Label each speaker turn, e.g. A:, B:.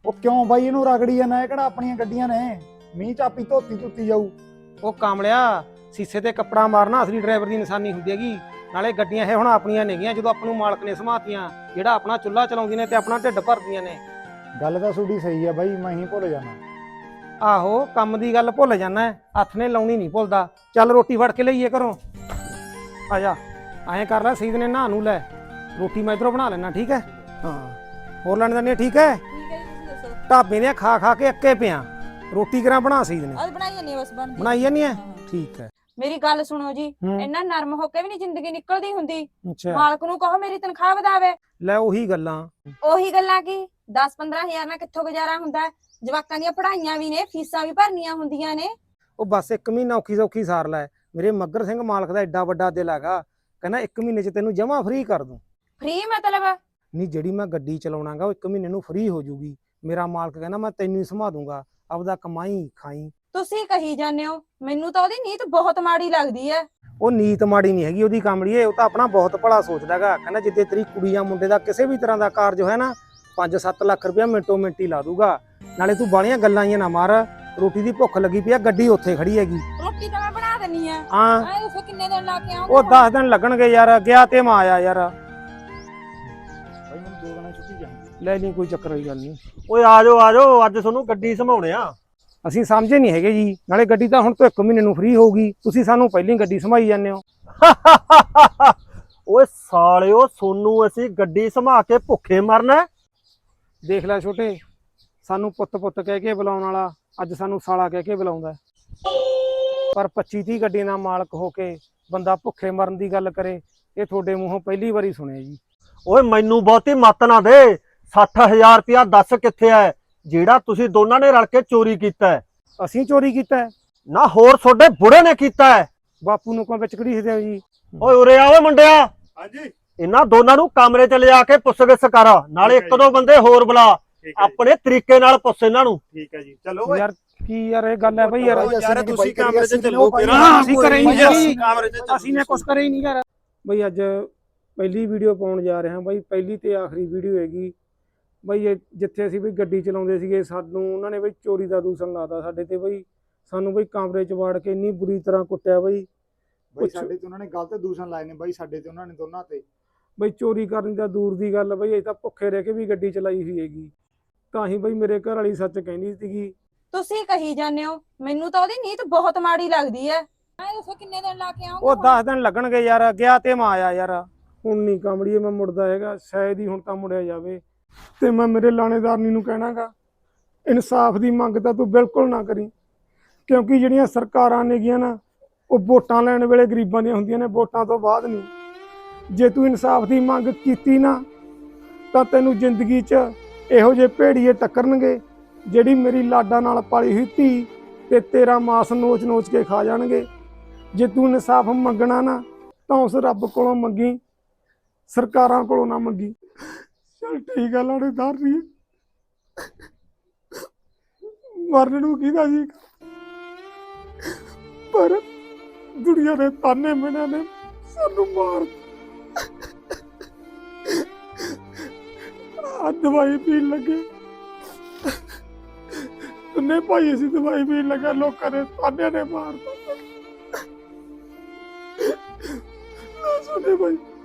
A: ਉਹ ਕਿਉਂ ਬਾਈ ਇਹਨੂੰ ਰਗੜੀ ਜਾਂਦਾ? ਇਹ ਕਿਹੜਾ ਆਪਣੀਆਂ ਗੱਡੀਆਂ ਨੇ? ਮੀਂਹ ਚਾਪੀ ਧੋਤੀ ਧੁੱਤੀ ਜਾਊ।
B: ਉਹ ਕਾਮਲਿਆ, ਸੀਸੇ ਤੇ ਕੱਪੜਾ ਮਾਰਨਾ ਅਸਲੀ ਡਰਾਈਵਰ ਦੀ ਨਿਸ਼ਾਨੀ ਹੁੰਦੀ ਹੈਗੀ। ਨਾਲੇ ਗੱਡੀਆਂ ਇਹ ਹੁਣ ਆਪਣੀਆਂ ਨੇਗੀਆਂ ਜਦੋਂ ਆਪਾਂ ਨੂੰ ਮਾਲਕ ਨੇ ਸਮਾਤੀਆਂ। ਜਿਹੜਾ ਆਪਣਾ ਚੁੱਲ੍ਹਾ ਚਲਾਉਂਦੀਆਂ ਨੇ ਤੇ ਆਪਣਾ ਢਿੱਡ ਭਰਦੀਆਂ ਨੇ।
A: ਗੱਲ ਤਾਂ ਤੁਹਾਡੀ ਸਹੀ ਆ ਬਾਈ, ਮੈਂ ਹੀ ਭੁੱਲ ਜਾਣਾ।
B: ਆਹੋ, ਕੰਮ ਦੀ ਗੱਲ ਭੁੱਲ ਜਾਣਾ, ਹੱਥ ਨੇ ਲਾਉਣੀ ਨਹੀਂ ਭੁੱਲਦਾ। ਚੱਲ ਰੋਟੀ ਫੜ ਕੇ ਲਈਏ ਘਰੋਂ। ਆ ਜਾ, ਐਂ ਕਰ ਲੈ, ਸੀਦ ਨੇ ਨਹਾ ਨੂੰ ਲੈ, ਰੋਟੀ ਮੈਂ ਇੱਧਰੋਂ ਬਣਾ ਲੈਣਾ। ਠੀਕ ਹੈ? ਹਾਂ, ਹੋਰ ਲੈਣ ਦਿੰਦੇ? ਠੀਕ ਹੈ।
C: ਠੀਕ ਹੈ ਜੀ, ਤੁਸੀਂ ਦੱਸੋ।
B: ਢਾਬੇ ਦੇ ਖਾ ਖਾ ਕੇ ਅੱਕੇ ਪਿਆ, ਰੋਟੀ ਕਰਾਂ ਬਣਾ ਸੀਦ ਨੇ।
C: ਅੱਜ ਬਣਾਈ ਜਾਂਦੀ ਬਸ ਬਣਦੀ।
B: ਬਣਾਈ ਜਾਂਦੀ ਹੈ? ਠੀਕ ਹੈ।
C: ਮੇਰੀ ਗੱਲ ਸੁਣੋ ਜੀ, ਇੰਨਾ ਨਰਮ ਹੋ ਕੇ ਵੀ ਨਹੀਂ ਜ਼ਿੰਦਗੀ ਨਿਕਲਦੀ ਹੁੰਦੀ।
B: ਅੱਛਾ,
C: ਮਾਲਕ ਨੂੰ ਕਹੋ ਮੇਰੀ ਤਨਖਾਹ ਵਧਾਵੇ।
B: ਲੈ ਉਹੀ ਗੱਲਾਂ।
C: ਉਹੀ ਗੱਲਾਂ ਕੀ 10-15 ਹਜ਼ਾਰ ਨਾਲ ਕਿੱਥੋਂ ਗੁਜ਼ਾਰਾ ਹੁੰਦਾ ਹੈ? ਜਵਾਕਾਂ ਦੀਆਂ ਪੜ੍ਹਾਈਆਂ ਵੀ ਨੇ, ਫੀਸਾਂ ਵੀ ਭਰਨੀਆਂ ਹੁੰਦੀਆਂ ਨੇ।
B: ਉਹ ਬਸ 1 ਮਹੀਨਾ ਔਖੀ ਸੌਖੀ ਸਾਰ ਲੈ। ਮੇਰੇ ਮੱਗਰ ਸਿੰਘ ਮਾਲਕ ਦਾ ਐਡਾ ਵੱਡਾ ਦਿਲ ਹੈਗਾ, ਕਹਿੰਦਾ 1 ਮਹੀਨੇ 'ਚ ਤੈਨੂੰ ਜਮਾ ਫ੍ਰੀ ਕਰ ਦੂੰ।
C: ਫ੍ਰੀ ਮਤਲਬ?
B: ਨਹੀਂ, ਜਿਹੜੀ ਮੈਂ ਗੱਡੀ ਚਲਾਉਣਾਗਾ ਉਹ 1 ਮਹੀਨੇ ਨੂੰ ਫ੍ਰੀ ਹੋ ਜੂਗੀ। ਮੇਰਾ ਮਾਲਕ ਕਹਿੰਦਾ ਮੈਂ ਤੈਨੂੰ ਹੀ ਸਮਾ ਦੂੰਗਾ, ਆਪਦਾ ਕਮਾਈ ਖਾਈ।
C: ਤੁਸੀਂ ਕਹੀ ਜਾਂਦੇ ਹੋ, ਮੈਨੂੰ ਤਾਂ ਉਹਦੀ ਨੀਤ ਬਹੁਤ ਮਾੜੀ ਲੱਗਦੀ ਹੈ।
B: ਉਹ ਨੀਤ ਮਾੜੀ ਨਹੀਂ ਹੈਗੀ ਉਹਦੀ ਕਾਮੜੀਏ, ਉਹ ਤਾਂ ਆਪਣਾ ਬਹੁਤ ਭਲਾ ਸੋਚਦਾ ਹੈਗਾ। ਕਹਿੰਦਾ ਜਿੱਦੇ ਤੇਰੀ ਕੁੜੀ ਜਾਂ ਮੁੰਡੇ ਦਾ ਕਿਸੇ ਵੀ ਤਰ੍ਹਾਂ ਦਾ ਕਾਰਜ ਹੈ ਨਾ, 5-7 ਲੱਖ ਰੁਪਇਆ ਮਿੰਟੋ ਮਿੰਟੀ ਲਾ ਦੂਗਾ। ਨਾਲੇ ਤੂੰ ਬਾਲੀਆਂ ਗੱਲਾਂ ਹੀ ਨਾ ਮਾਰ, ਰੋਟੀ ਦੀ ਭੁੱਖ ਲੱਗੀ ਪਈ ਆ, ਗੱਡੀ ਉੱਥੇ ਖੜੀ ਹੈਗੀ।
C: ਰੋਟੀ ਤਾਂ ਮੈਂ ਬਣਾ ਦਿੰਨੀ ਆ।
B: ਹਾਂ,
C: ਐ ਦੱਸੋ ਕਿੰਨੇ ਦਿਨ ਲਾ ਕੇ ਆਉਂਗਾ?
B: ਉਹ 10 ਦਿਨ ਲੱਗਣਗੇ ਯਾਰ, ਗਿਆ ਤੇ ਮੈਂ ਆਇਆ ਯਾਰ।
A: ਬਾਈ ਮੈਨੂੰ 2 ਦਿਨਾਂ ਛੁੱਟੀ ਚਾਹੀਦੀ।
B: ਲੈ ਨਹੀਂ, ਕੋਈ ਚੱਕਰ ਵਾਲੀ ਗੱਲ ਨਹੀਂ।
D: ਓਏ ਆ ਜਾਓ, ਅੱਜ ਤੁਹਾਨੂੰ ਗੱਡੀ ਸੰਭਾਉਣੇ ਆ।
B: ਅਸੀਂ ਸਮਝੇ ਨਹੀਂ ਹੈਗੇ ਜੀ। ਨਾਲੇ ਗੱਡੀ ਤਾਂ ਹੁਣ ਤੋਂ 1 ਮਹੀਨੇ ਨੂੰ ਫ੍ਰੀ ਹੋਊਗੀ, ਤੁਸੀਂ ਸਾਨੂੰ ਪਹਿਲਾਂ ਗੱਡੀ ਸੰਭਾਈ ਜਾਂਦੇ ਹੋ।
D: ਓਏ ਸਾਲਿਓ, ਸੋਨੂੰ ਅਸੀਂ ਗੱਡੀ ਸੰਭਾ ਕੇ ਭੁੱਖੇ ਮਰਨਾ?
B: ਦੇਖ ਲੈ ਛੋਟੇ, ਸਾਨੂੰ ਪੁੱਤ ਕਹਿ ਕੇ ਬੁਲਾਉਣ ਵਾਲਾ ਅੱਜ ਸਾਨੂੰ ਸਾਲਾ ਕਹਿ ਕੇ ਬੁਲਾਉਂਦਾ। ਪਰ 25-30 ਗੱਡੀਆਂ ਦਾ ਮਾਲਕ ਹੋ ਕੇ ਬੰਦਾ ਭੁੱਖੇ ਮਰਨ ਦੀ ਗੱਲ ਕਰੇ, ਇਹ ਤੁਹਾਡੇ ਮੂੰਹੋਂ ਪਹਿਲੀ ਵਾਰੀ ਸੁਣਿਆ ਜੀ।
D: ਓਏ ਮੈਨੂੰ ਬਹੁਤੀ ਮੱਤ ਨਾ ਦੇ। 60,000 ਰੁਪਇਆ ਦੱਸ ਕਿੱਥੇ ਹੈ, ਜਿਹੜਾ ਤੁਸੀਂ ਦੋਨਾਂ ਨੇ ਰਲ ਕੇ ਚੋਰੀ ਕੀਤਾ ਹੈ?
B: ਅਸੀਂ ਚੋਰੀ ਕੀਤਾ ਹੈ?
D: ਨਾ ਹੋਰ ਤੁਹਾਡੇ ਬੁੜੇ ਨੇ ਕੀਤਾ ਹੈ।
B: ਬਾਪੂ ਨੂੰ ਕੋਈ ਵਿੱਚ ਘੜੀਸਦੇ ਹੋ ਜੀ।
D: ਓਏ ਉਰੇ ਆ ਓਏ ਮੁੰਡਿਆ,
E: ਹਾਂਜੀ
D: ਇਹਨਾਂ ਦੋਨਾਂ ਨੂੰ ਕਮਰੇ 'ਚ ਲਿਜਾ ਕੇ ਪੁੱਛਗਿੱਛ ਕਰ। ਨਾਲੇ 1-2 ਬੰਦੇ ਹੋਰ ਬੁਲਾ, ਆਪਣੇ ਤਰੀਕੇ ਨਾਲ ਪੁੱਛ ਇਹਨਾਂ ਨੂੰ।
E: ਠੀਕ ਹੈ ਜੀ, ਚਲੋ
B: ਯਾਰ ਕੀ ਯਾਰ ਇਹ ਗੱਲ ਹੈ ਬਈ ਯਾਰ।
E: ਯਾਰ ਤੁਸੀਂ ਕਮਰੇ 'ਚ ਚੱਲੋ ਫਿਰ।
B: ਅਸੀਂ ਕਰੇ ਹੀ ਨਹੀਂ ਜੀ,
E: ਕਮਰੇ 'ਚ
B: ਅਸੀਂ ਨੇ ਕੁਛ ਕਰੇ ਹੀ ਨਹੀਂ ਯਾਰ। ਬਈ ਅੱਜ ਪਹਿਲੀ ਵੀਡੀਓ ਪਾਉਣ ਜਾ ਰਹੇ ਹਾਂ ਬਈ, ਪਹਿਲੀ ਤੇ ਆਖਰੀ ਵੀਡੀਓ ਹੈਗੀ ਬਈ। ਜਿੱਥੇ ਅਸੀਂ ਬਈ ਗੱਡੀ ਚਲਾਉਂਦੇ ਸੀਗੇ, ਸਾਨੂੰ ਉਹਨਾਂ ਨੇ ਬਈ ਚੋਰੀ ਦਾ ਦੂਸ਼ਣ ਲਾਤਾ ਸਾਡੇ ਤੇ ਬਈ। ਸਾਨੂੰ ਬਈ ਕਮਰੇ 'ਚ ਵਾੜ ਕੇ ਇੰਨੀ ਬੁਰੀ ਤਰ੍ਹਾਂ ਕੁੱਟਿਆ ਬਈ।
A: ਸਾਡੇ ਤੇ ਉਹਨਾਂ ਨੇ ਗਲਤ ਦੂਸ਼ਣ ਲਾਏ ਨੇ ਬਾਈ, ਸਾਡੇ ਤੇ ਉਹਨਾਂ ਨੇ ਦੋਨਾਂ ਤੇ।
B: ਬਈ ਚੋਰੀ ਕਰਨ ਦਾ ਦੂਰ ਦੀ ਗੱਲ ਬਈ, ਅਸੀਂ ਤਾਂ ਭੁੱਖੇ ਰਹਿ ਕੇ ਵੀ ਗੱਡੀ ਚਲਾਈ ਹੋਈ ਹੈਗੀ। ਤਾਂ ਹੀ ਬਈ ਮੇਰੇ ਘਰ ਵਾਲੀ ਸੱਚ ਕਹਿੰਦੀ ਸੀਗੀ।
C: ਤੁਸੀਂ ਕਹੀ ਜਾਂਦੇ ਹੋ, ਮੈਨੂੰ ਤਾਂ ਉਹਦੀ ਨੀਤ ਬਹੁਤ ਮਾੜੀ ਲੱਗਦੀ ਹੈ। ਐ ਦੱਸੋ ਕਿੰਨੇ ਦਿਨ ਲਾ ਕੇ ਆਉਂਗਾ?
B: ਉਹ 10 ਦਿਨ ਲੱਗਣਗੇ ਯਾਰ, ਗਿਆ ਤੇ ਮੈਂ ਆਇਆ ਯਾਰ। ਹੁਣ ਨਹੀਂ ਕਾਮੜੀਏ ਮੈਂ ਮੁੜਦਾ ਹੈਗਾ, ਸ਼ਾਇਦ ਹੀ ਹੁਣ ਤਾਂ ਮੁੜਿਆ ਜਾਵੇ। ਤੇ ਮੈਂ ਮੇਰੇ ਲਾਣੇਦਾਰਨੀ ਨੂੰ ਕਹਿਣਾਗਾ, ਇਨਸਾਫ ਦੀ ਮੰਗ ਤਾਂ ਤੂੰ ਬਿਲਕੁਲ ਨਾ ਕਰੀ, ਕਿਉਂਕਿ ਜਿਹੜੀਆਂ ਸਰਕਾਰਾਂ ਨੇਗੀਆਂ ਨਾ, ਉਹ ਵੋਟਾਂ ਲੈਣ ਵੇਲੇ ਗਰੀਬਾਂ ਦੀਆਂ ਹੁੰਦੀਆਂ ਨੇ, ਵੋਟਾਂ ਤੋਂ ਬਾਅਦ ਨਹੀਂ। ਜੇ ਤੂੰ ਇਨਸਾਫ ਦੀ ਮੰਗ ਕੀਤੀ ਨਾ, ਤਾਂ ਤੈਨੂੰ ਜ਼ਿੰਦਗੀ 'ਚ ਇਹੋ ਜਿਹੇ ਭੇੜੀਏ ਟੱਕਰਨਗੇ, ਜਿਹੜੀ ਮੇਰੀ ਲਾਡਾ ਨਾਲ ਪਾਲੀ ਹੋਈ ਧੀ ਤੇ ਤੇਰਾ ਮਾਸ ਨੋਚ ਕੇ ਖਾ ਜਾਣਗੇ। ਜੇ ਤੂੰ ਇਨਸਾਫ ਮੰਗਣਾ ਨਾ, ਤਾਂ ਉਸ ਰੱਬ ਕੋਲੋਂ ਮੰਗੀ, ਸਰਕਾਰਾਂ ਕੋਲੋਂ ਨਾ ਮੰਗੀ। ਚੱਲ ਠੀਕ ਆ ਲਾਣੇਦਾਰ ਜੀ, ਮਰਨ ਨੂੰ ਕਿਹਦਾ ਜੀ, ਪਰ ਦੁਨੀਆ ਦੇ ਤਾਨੇ ਮਿਹਣੇ ਨੇ ਸਾਨੂੰ ਮਾਰ। ਆ ਦਵਾਈ ਪੀਣ ਲੱਗੇ, ਤੁਨੇ ਭਾਈ ਅਸੀਂ ਦਵਾਈ ਪੀਣ ਲੱਗਾ, ਲੋਕਾਂ ਦੇ ਤਾਨੇ ਨੇ ਮਾਰਤਾ। ਸੁਣੇ ਭਾਈ।